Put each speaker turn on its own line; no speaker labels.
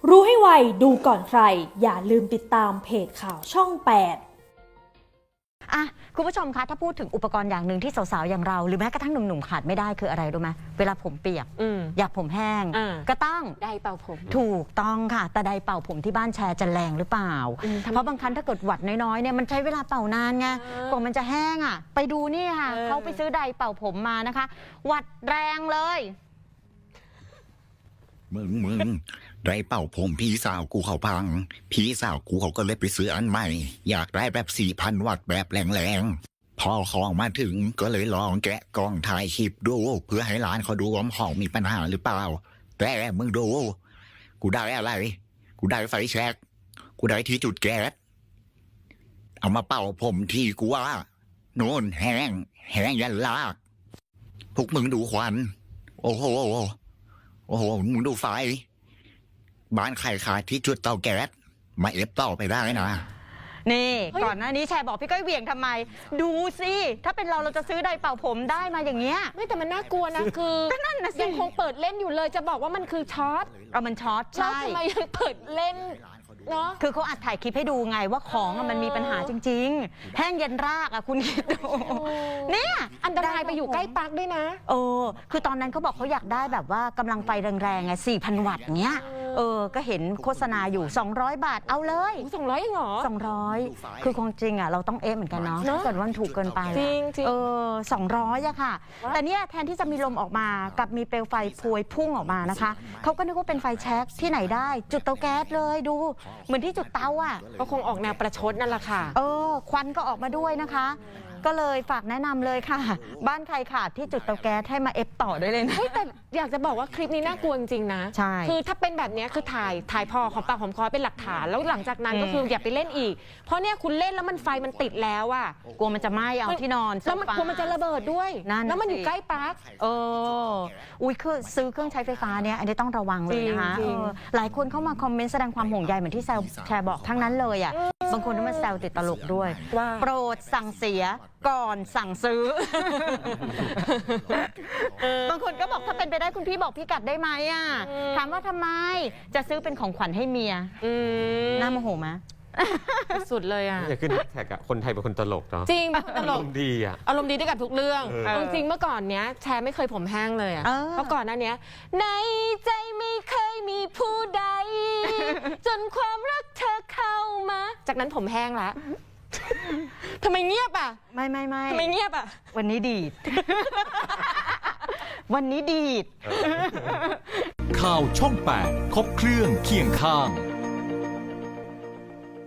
รู้ให้ไวดูก่อนใครอย่าลืมติดตามเพจข่าวช่อง 8
คุณผู้ชมคะถ้าพูดถึงอุปกรณ์อย่างหนึ่งที่สาวๆอย่างเราหรือแม้กระทั่งหนุ่มๆขาดไม่ได้คืออะไรรู้ไหมเวลาผมเปียกอยากผมแห้งก็ต้อง
ไดร์เป่าผม
ถูกต้องค่ะแต่ไดร์เป่าผมที่บ้านแชร์จะแรงหรือเปล่าเพราะบางครั้งถ้าเกิดหวัดน้อยๆเนี่ยมันใช้เวลาเป่านานไงกว่ามันจะแห้งไปดูนี่ค่ะเขาไปซื้อไดร์เป่าผมมานะคะหวัดแรงเลย
มึงได้เป่าผมพี่สาวกูเขาพังพี่สาวกูเขาก็เลยไปซื้ออันใหม่อยากได้แบบ 4,000 วัตต์แบบแรงๆพอของมาถึงก็เลยลองแกะกล้องถ่ายคลิปดูเพื่อให้ร้านเขาดูว่าของมีปัญหาหรือเปล่าแต่มึงดูกูได้อะไรกูได้ไฟแช็กกูได้ที่จุดแก๊สเอามาเป่าผมที่กูว่าโน่นแห้งยันลากพวกมึงดูควันโอ้โหมึงดูไฟบ้านใครขาดที่จุดเตาแก๊สมาเอฟต่อไปได้นะ
นี่ก่อนหน้านี้แชร์บอกพี่ก้อยเหวี่ยงทำไมดูสิถ้าเป็นเราจะซื้อไดร์เป่าผมได้มาอย่างเงี้ย
ไม่แต่มันน่ากลัวนะคือ
นั่นนะสิ
ยังคงเปิดเล่นอยู่เลยจะบอกว่ามันคือช็อต
มันช็อตใช่
ทำไมยังเปิดเล่นเนาะ
คือเขาอัดถ่ายคลิปให้ดูไงว่าของมันมีปัญหาจริงๆแห้งเย็นรากคุณคิดดูเนี่ย
อันตรายไปอยู่ใกล้ปลั๊กด้วยนะ
คือตอนนั้นเขาบอกเขาอยากได้แบบว่ากำลังไฟแรงๆไง4,000 วัตต์เงี้ยก็เห็นโฆษณาอยู่200 บาทเอาเลย
200เองเหรอ
200คือคงจริงเราต้องเหมือนกันเนาะถ้าเกิดว่าถูกเกินไป
จริง
200อะค่ะแต่เนี่ยแทนที่จะมีลมออกมากับมีเปลวไฟพวยพุ่งออกมานะคะเขาก็นึกว่าเป็นไฟแช็กที่ไหนได้จุดเตาแก๊สเลยดูเหมือนที่จุดเตา
ก็คงออกแนวประชดนั่นแหละค่ะ
ควันก็ออกมาด้วยนะคะก็เลยฝากแนะนำเลยค่ะบ้านใครขาดที่จุดเตาแก๊สให้มาเอฟต่อได้เลยนะ
แต่อยากจะบอกว่าคลิปนี้น่ากลัวจริงๆนะ
ใช่
คือถ้าเป็นแบบนี้คือถ่ายพอของปากของคอเป็นหลักฐานแล้วหลังจากนั้นก็คืออย่าไปเล่นอีกเพราะเนี่ยคุณเล่นแล้วมันไฟมันติดแล้ว
กลัวมันจะไหม้เอาที่นอน
แล้วมันกลัวมันจะระเบิดด้วยแล้วมันอยู่ใกล้ปลั๊ก
คือซื้อเครื่องใช้ไฟฟ้าเนี่ยอันนี้ต้องระวังเลยนะคะหลายคนเข้ามาคอมเมนต์แสดงความห่วงใยเหมือนที่แชร์บอกทั้งนั้นเลยบางคนก็มาแซวติดตลกด้วยโปรดสั่งเสียก่อนสั่งซื้อบางคนก็บอกถ้าเป็นไปได้คุณพี่บอกพี่กัดได้ไหมถามว่าทำไมจะซื้อเป็นของขวัญให้เมียน่าโมโหไหม
สุดเลย
จะขึ้นแท็กคนไทยเป็นคนตลกเนาะ
จริงตลก
อารมณ์ดี
อารมณ์ดีได้กับทุกเรื่องจริงเมื่อก่อนเนี้ยแชร์ไม่เคยผมแห้งเลยเพราะก่อนหน้านี้ในใจไม่เคยมีผู้ใดจนความรักเธอเข้ามาจากนั้นผมแห้งแล้วทำไมเงียบ
ไม่
ทำไมเงียบ
วันนี้ดีดวันนี้ดีด
ข่าวช่อง 8 ครบเครื่องเคียงข้าง